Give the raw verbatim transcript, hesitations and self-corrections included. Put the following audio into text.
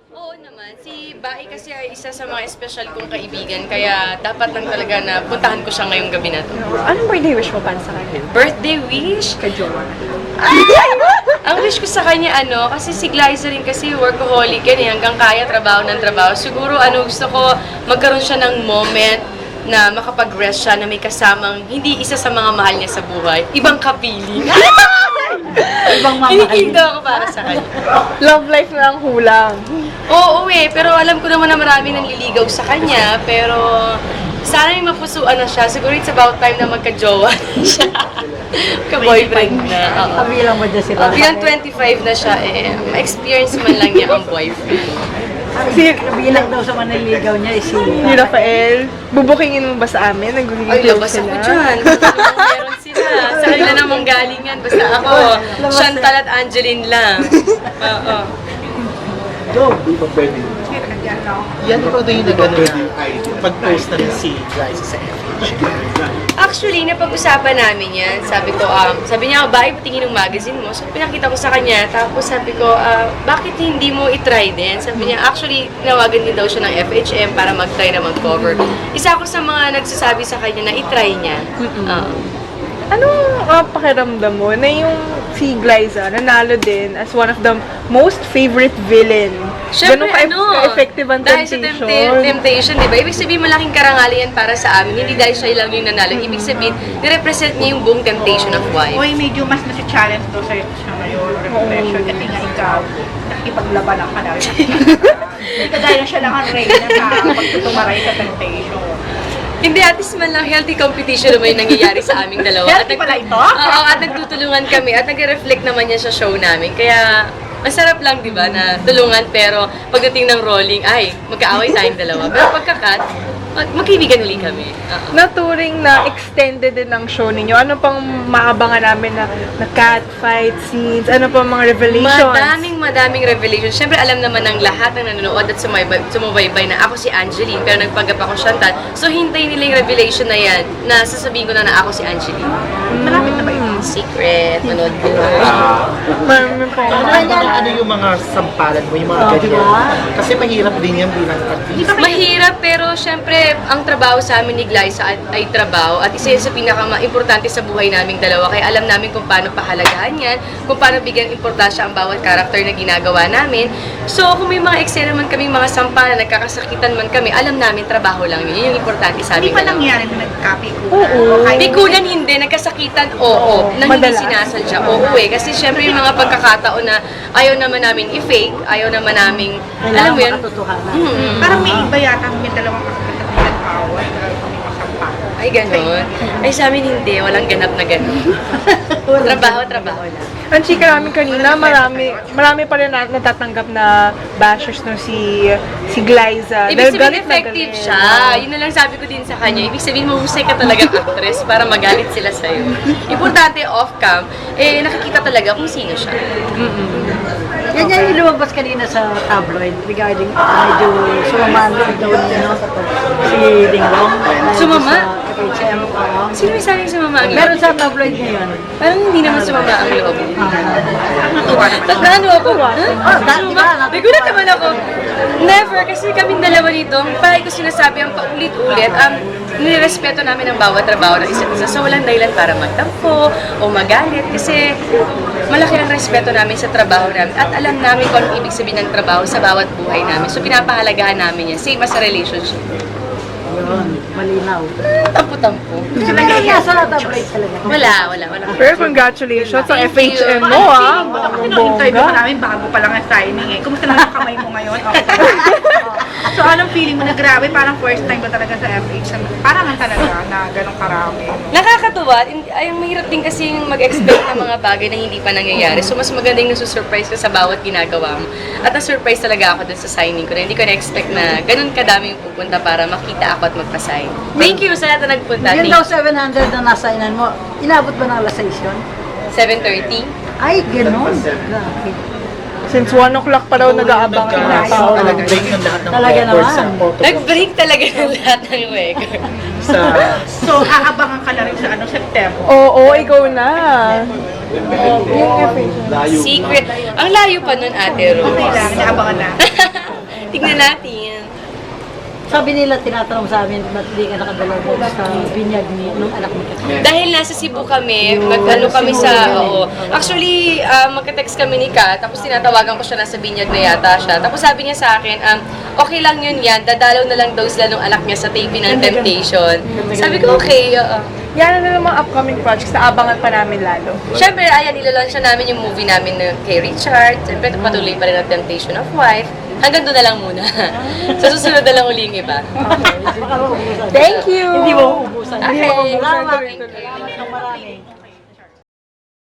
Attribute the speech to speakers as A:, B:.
A: Oo naman. Si Bai kasi ay isa sa mga special kong kaibigan, kaya dapat lang talaga na puntahan ko siya ngayong gabi na to.
B: Anong birthday wish mo para sa kanya?
A: Birthday wish?
B: Kay Jowa.
A: Ang wish ko sa kanya, ano, kasi si Glyza rin kasi workaholic yan eh, hanggang kaya trabaho ng trabaho. Siguro, ano, gusto ko magkaroon siya ng moment na makapag-rest siya na may kasamang hindi isa sa mga mahal niya sa buhay. Ibang kapiling.
B: Ibang mama.
A: Kinikilig ako para sa kanya.
B: Love life na ang hulang.
A: Oo, eh. Pero alam ko naman na marami nang liligaw sa kanya. Pero sana may mapusuan na siya. Siguro it's about time na magka-jowa na siya. Ka-boyfriend na. Oo.
C: Kabilang mo dyan sila.
A: Uh, bilang twenty-five na siya, eh, ma-experience man lang niya ang boyfriend.
B: Si,
C: Kabilang daw sa maniligaw niya is si...
B: ni Rafael, bubukingin mo ba sa amin? Nagiging
A: Ay,
B: close
A: labas
B: sila.
A: ako dyan. Kung meron sila. Sa kanila namang galing yan. Basta ako, Chantal at Angeline lang. Oo.
C: Go!
D: Di ba pwede?
E: Yan ikaw doon yung nag-ano na pag-post na rin si Glyza sa F H.
A: Actually, napag-usapan namin yan. Sabi ko, um, sabi niya, ba, patingin ng magazine mo. So, pinakita ko sa kanya. Tapos sabi ko, ah, bakit hindi mo itry din? Sabi niya, actually, nawagan din daw siya ng F H M para mag-try na mag-cover. Isa ako sa mga nagsasabi sa kanya na itry niya. Oo.
B: Anong uh, pakiramdam mo na yung si Glyza nanalo din as one of the most favorite villain?
A: Siyempre,
B: Ganun ka-
A: ano,
B: ka-effective ang
A: dahil sa
B: temptation.
A: tempta- temptation, di ba? Ibig sabihin, malaking karangalan yan para sa amin. Hindi dahil siya lang yung nanalo. Ibig sabihin, nirepresent niya yung buong temptation of wife.
F: Uy, medyo mas nasi-challenge daw sa'yo siya ngayon, reflection, kasi nga ikaw, nakikipaglaban ka na rin. Hindi kagaya na siya lang ang reyna sa pagtutumaray sa temptation.
A: Hindi, at least man lang healthy competition naman yung nangyayari sa aming dalawa.
F: Healthy
A: nag-
F: pala ito?
A: Oo, at nagtutulungan kami at nagre-reflect naman yan sa show namin. Kaya, masarap lang, di ba, na tulungan pero pagdating ng rolling, ay, magkaaway tayong dalawa. Pero pagka-cut, mag- magkaibigan uli kami. Oo.
B: Naturing na extended din ang show ninyo. Ano pang maabangan namin na, na cat fight scenes? Ano pang mga revelations?
A: Madaming, madaming revelation. Siyempre, alam naman ng lahat ng nanonood at sumaybay, sumubaybay na ako si Angeline, pero nagpanggap ako Chantal. So, hintay nila yung revelation na yan, na sasabihin ko na na ako si Angeline.
F: Malapit na ba yun?
A: Secret, manood ko.
B: Marami pang
E: Ano, ano, ano yung mga sampalan mo, yung mga
C: Oh,
E: ganyan?
C: diba?
E: Kasi mahirap din yan bilang artista.
A: Mahirap, pero syempre, ang trabaho sa amin ni Glyza ay, ay trabaho at isa yun sa pinaka-importante sa buhay naming dalawa. Kaya alam namin kung paano pahalagahan yan, kung paano bigyan importansya ang bawat karakter na ginagawa namin. So, kung may mga eksena man kaming mga sampalan, nagkakasakitan man kami, alam namin trabaho lang yun. Yun yung importante sa
F: Hindi
A: aming
F: pa
A: dalawa.
F: nangyari na nag-copy ko.
B: Oo.
A: Pikunan hindi, nagkasakitan, oo. Na hindi
B: Madalas.
A: sinasadya, oo eh. Kasi syempre yung mga pagkakataon na ayaw naman namin i-fake, ayaw naman namin, alam mo yun?
C: makatotohanan.
A: Mm-mm.
F: Parang may iba yata kami dalawang kakapit na pinag-away dahil kami masampa.
A: Ay, ganon. Ay, sa amin hindi. Walang ganap na ganon. trabaho, trabaho lang.
B: Ang chika namin kanina, marami marami pa rin na, natatanggap na bashers no si si Glyza.
A: Ibig
B: Dahil
A: sabihin,
B: galit na
A: effective
B: galit.
A: siya. Yun na lang sabi ko din sa kanya. Ibig sabihin, mahusay ka talagang actress para magalit sila sa'yo. Importante, off-cam, eh, nakikita talaga kung sino siya.
C: Yan yan yung lumabas kanina sa tabloid regarding medyo sumamaan daw ni ano, si Dinglong. dahil
A: Sumama?
C: Sa F H M. oo.
A: Sino may sabing sumama ang
C: Meron
A: loob?
C: sa tabloid ngayon.
A: Parang hindi naman sumama ang loob.
F: Natuwa naman.
A: Tagdaan mo ako. Ha?
C: Oh, dahil di ba, natutuwa.
A: Nagulat naman ako. Never, kasi kaming dalawa dito, palagi ko sinasabi ang paulit-ulit, um, nirespeto namin ang bawat trabaho ng isa't isa. So, walang dahilan para magtampo o magalit kasi malaki ang respeto namin sa trabaho namin at alam namin kung anong ibig sabihin ng trabaho sa bawat buhay namin. So, pinapahalagahan namin yan. Same as a relationship.
C: Yun, malinaw.
A: Tampo-tampo.
C: Sila nga sa tabloid talaga.
A: Wala, wala, wala.
B: Pero congratulations sa F
A: Thank
B: H M
A: you.
B: mo ah.
F: Ako ino-interview ka namin bago pa lang ang signing eh. Kumusta naman yung kamay mo ngayon? Okay. So, anong feeling mo na grabe? Parang first time ko talaga sa F H M. Parang nga talaga na ganong karami.
A: Nakakatuwa. Hindi- Ay, mahirap din kasi mag-expect ng mga bagay na hindi pa nangyayari. So, mas magandang nasusurprise ka sa bawat ginagawa mo. At na-surprise talaga ako dun sa signing ko na hindi ko na-expect na ganun kadaming pupunta para makita ako at magpa-sign. Thank you sa lahat na nagpunta.
C: Yun
A: Thank
C: daw
A: you.
C: seven hundred na nasainan mo. Inabot ba ng alas seis yun?
A: seven thirty.
C: Ay, gano'n. Grabe.
B: Since one o'clock pa daw nag-aabang
E: Nagka-
B: na tao.
E: Nag-break ng lahat ng
C: Talaga
E: records
C: naman.
E: sa photo
A: Nag-break talaga ng lahat ng record.
E: sa
F: So, aabangan ka na rin sa ano, September.
B: Oo, ikaw na. Yung F H M.
D: Layo.
A: Secret. Ang layo pa nun, Ate Rose.
F: Okay lang, inaabangan na.
A: Tignan natin.
C: Sabi nila, tinatanong sa amin, ba't di ka nakadalaw doon sa binyag ni nung anak mo?
A: Dahil nasa Cebu kami, mag-ano kami sa, oo. Actually, uh, magka-text kami ni Kat, tapos tinatawagan ko siya, nasa binyag na yata siya. Tapos sabi niya sa akin, um, okay lang yun yan, dadalaw na lang daw sila nung anak niya sa taping ng Temptation. Sabi ko, okay, oo.
B: Yan na naman mga upcoming projects na abangan pa namin lalo.
A: Siyempre, ayan, nilalaunch na namin yung movie namin na kay Richard. Siyempre, patuloy pa rin ang Temptation of Wife. Hanggang doon na lang muna. Sa susunod na lang uli yung iba.
C: Baka maubusan.
B: Thank you!
C: Hindi mo uubusan.
B: Hindi mo
A: Okay.
B: uubusan.
C: Salamat.
B: Tuloy-tuloy.